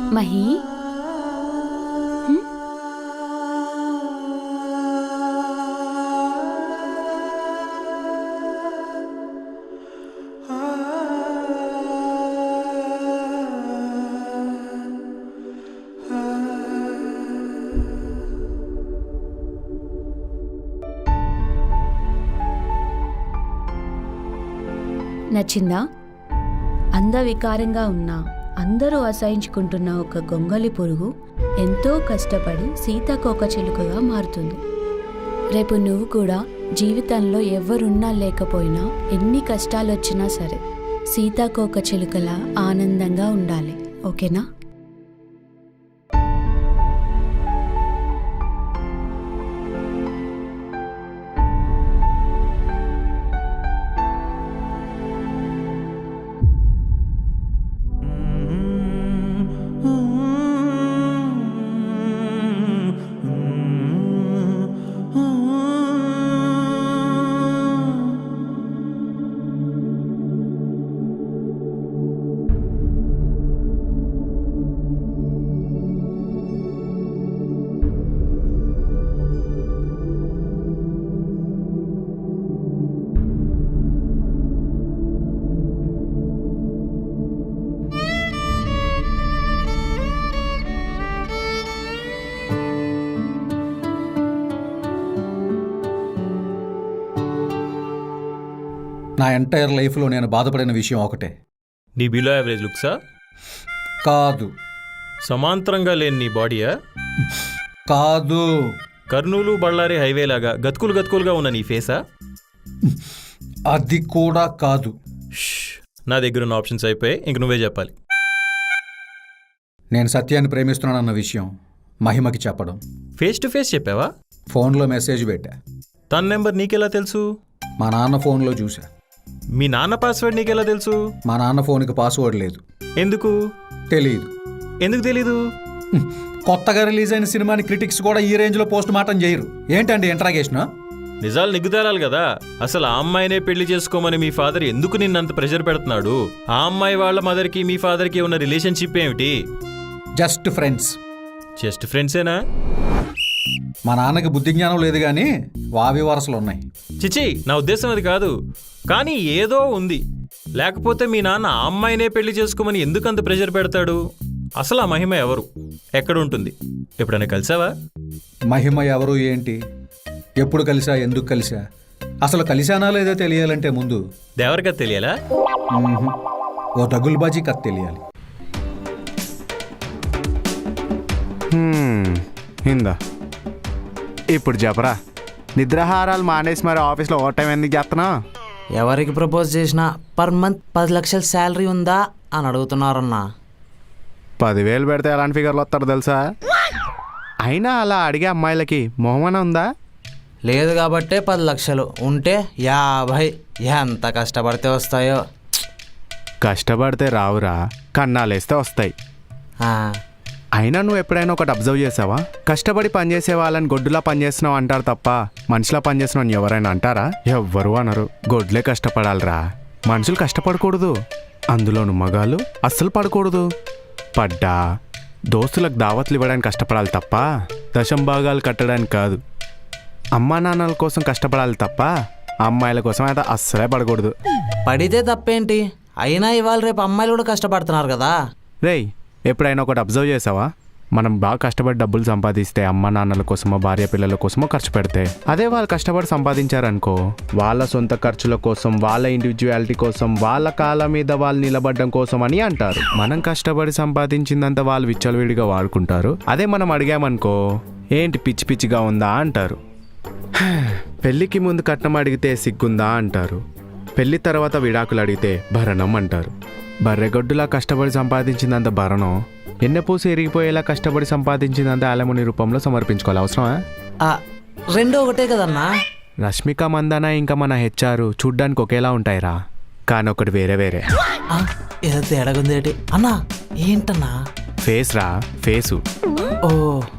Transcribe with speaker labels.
Speaker 1: మహి నచ్చిందా? అందవికారంగా ఉన్నా అందరూ అసహించుకుంటున్న ఒక గొంగలి పురుగు ఎంతో కష్టపడి సీతాకోకచిలుకగా మారుతుంది. రేపు నువ్వు కూడా జీవితంలో ఎవరున్నా లేకపోయినా ఎన్ని కష్టాలొచ్చినా సరే సీతాకోకచిలుకలా ఆనందంగా ఉండాలి. ఓకేనా?
Speaker 2: నా ఎంటైర్ లైఫ్లో నేను బాధపడిన విషయం ఒకటే.
Speaker 3: నీ బిలో యావరేజ్ లుక్సా?
Speaker 2: కాదు.
Speaker 3: సమాంతరంగా లేని నీ బాడీయా?
Speaker 2: కాదు.
Speaker 3: కర్నూలు బళ్ళారి హైవే లాగా గతుకులుగా ఉన్న నీ ఫేసా?
Speaker 2: అది కూడా కాదు.
Speaker 3: నా దగ్గర ఉన్న ఆప్షన్స్ అయిపోయి ఇంక నువ్వే చెప్పాలి.
Speaker 2: నేను సత్యాన్ని ప్రేమిస్తున్నానన్న విషయం మహిమకి చెప్పడం.
Speaker 3: ఫేస్ టు ఫేస్ చెప్పావా?
Speaker 2: ఫోన్లో మెసేజ్ పెట్టా.
Speaker 3: తన నెంబర్ నీకెలా తెలుసు?
Speaker 2: మా నాన్న ఫోన్లో చూసా.
Speaker 3: మీ నాన్న పాస్వర్డ్ నీకెలా తెలుసు?
Speaker 2: మా నాన్న ఫోన్కి పాస్వర్డ్ లేదు.
Speaker 3: ఎందుకు
Speaker 2: తెలీదు.
Speaker 3: ఎందుకు తెలీదు?
Speaker 2: కొత్తగా రిలీజ్ అయిన సినిమాని క్రిటిక్స్ కూడా ఈ రేంజ్లో పోస్ట్ మార్టం చేయరు. ఏంటండి ఇంట్రాగేషన్?
Speaker 3: నిజాలు నిగ్గుతేరాలి కదా. అసలు ఆ అమ్మాయినే పెళ్లి చేసుకోమని మీ ఫాదర్ ఎందుకు నిన్నంత ప్రెషర్ పెడుతున్నాడు? ఆ అమ్మాయి వాళ్ళ మదర్కి మీ ఫాదర్కి ఉన్న రిలేషన్షిప్ ఏమిటి?
Speaker 2: Just friends.
Speaker 3: జస్ట్ ఫ్రెండ్సేనా?
Speaker 2: మా నాన్నకి బుద్ధి జ్ఞానం లేదు కానీ వావి వరసలు ఉన్నాయి.
Speaker 3: చిచి, నా ఉద్దేశం అది కాదు. కానీ ఏదో ఉంది. లేకపోతే మీ నాన్న ఆ అమ్మాయినే పెళ్లి చేసుకోమని ఎందుకంత ప్రెషర్ పెడతాడు? అసలు ఆ మహిమ ఎవరు? ఎక్కడ ఉంటుంది? ఎప్పుడైనా కలిసావా?
Speaker 2: మహిమ ఎవరు ఏంటి? ఎప్పుడు కలిసా? ఎందుకు కలిసా? అసలు కలిసానా లేదో తెలియాలంటే ముందు
Speaker 3: దేవరికథ తెలియాలా?
Speaker 2: ఓ దగుల్బాజీ కథ తెలియాలి.
Speaker 4: ఇందా ఇప్పుడు చెప్పరా, నిద్రాహారాలు మానేసి మరి ఆఫీస్లో ఓవర్ టైం ఎందుకు చేస్తున్నా?
Speaker 5: ఎవరికి ప్రపోజ్ చేసినా పర్ మంత్ 10 లక్షల శాలరీ ఉందా అని అడుగుతున్నారన్నా.
Speaker 4: 10,000 పెడితే ఎలాంటి ఫిగర్లు వస్తారు తెలుసా? అయినా అలా అడిగే అమ్మాయిలకి మొహమన ఉందా?
Speaker 5: లేదు కాబట్టే 10 లక్షలు ఉంటే 50 ఎంత కష్టపడితే వస్తాయో.
Speaker 4: కష్టపడితే రావురా, కన్నాలేస్తే వస్తాయి. అయినా నువ్వు ఎప్పుడైనా ఒకటి అబ్జర్వ్ చేసావా? కష్టపడి పనిచేసే వాళ్ళని గొడ్డులా పనిచేస్తున్నావు అంటారు తప్ప మనిషిలా పనిచేస్తున్నావు ఎవరైనా అంటారా? ఎవ్వరు అనరు. గొడ్లే కష్టపడాలిరా, మనుషులు కష్టపడకూడదు. అందులోను మగాళ్ళు అస్సలు పడకూడదు. పడ్డా దోస్తులకు దావత్లు ఇవ్వడానికి కష్టపడాలి తప్ప దశంభాగాలు కట్టడానికి కాదు. అమ్మా నాన్నల కోసం కష్టపడాలి తప్ప అమ్మాయిల కోసం అయితే అస్సలే పడకూడదు.
Speaker 5: పడితే తప్పేంటి? అయినా ఇవాళ రేపు అమ్మాయిలు కూడా కష్టపడుతున్నారు కదా.
Speaker 4: రేయ్, ఎప్పుడైనా ఒకటి అబ్జర్వ్ చేసావా? మనం బాగా కష్టపడి డబ్బులు సంపాదిస్తే అమ్మ నాన్నల కోసమో భార్య పిల్లల కోసమో ఖర్చు పెడితే, అదే వాళ్ళు కష్టపడి సంపాదించారనుకో వాళ్ళ సొంత ఖర్చుల కోసం, వాళ్ళ ఇండివిజువాలిటీ కోసం, వాళ్ళ కాళ్ళ మీద వాళ్ళు నిలబడడం కోసం అని అంటారు. మనం కష్టపడి సంపాదించిందంతా వాళ్ళు విచ్చలవిడిగా వాడుకుంటారు. అదే మనం అడిగామనుకో ఏంటి పిచ్చి పిచ్చిగా ఉందా అంటారు. పెళ్ళికి ముందు కట్నం అడిగితే సిగ్గుందా అంటారు. పెళ్లి తర్వాత విడాకులు అడిగితే భరణం అంటారు. బర్రెగొడ్డులా కష్టపడి సంపాదించిందంత భరణం, ఎన్నెపూసి ఎరిగిపోయేలా కష్టపడి సంపాదించిందంత అలముని రూపంలో సమర్పించుకోవాలి. అవసరమా?
Speaker 5: రెండో ఒకటే కదన్నా.
Speaker 4: రష్మిక మందన ఇంకా మన హెచ్ఆర్ చూడ్డానికి ఒకేలా ఉంటాయిరా, కానీ ఒకటి వేరే వేరే.
Speaker 5: ఏదో తేడాగుందేటి అన్నా. ఏంటన్నా?
Speaker 4: ఫేస్ రా, ఫేసు.
Speaker 5: ఓ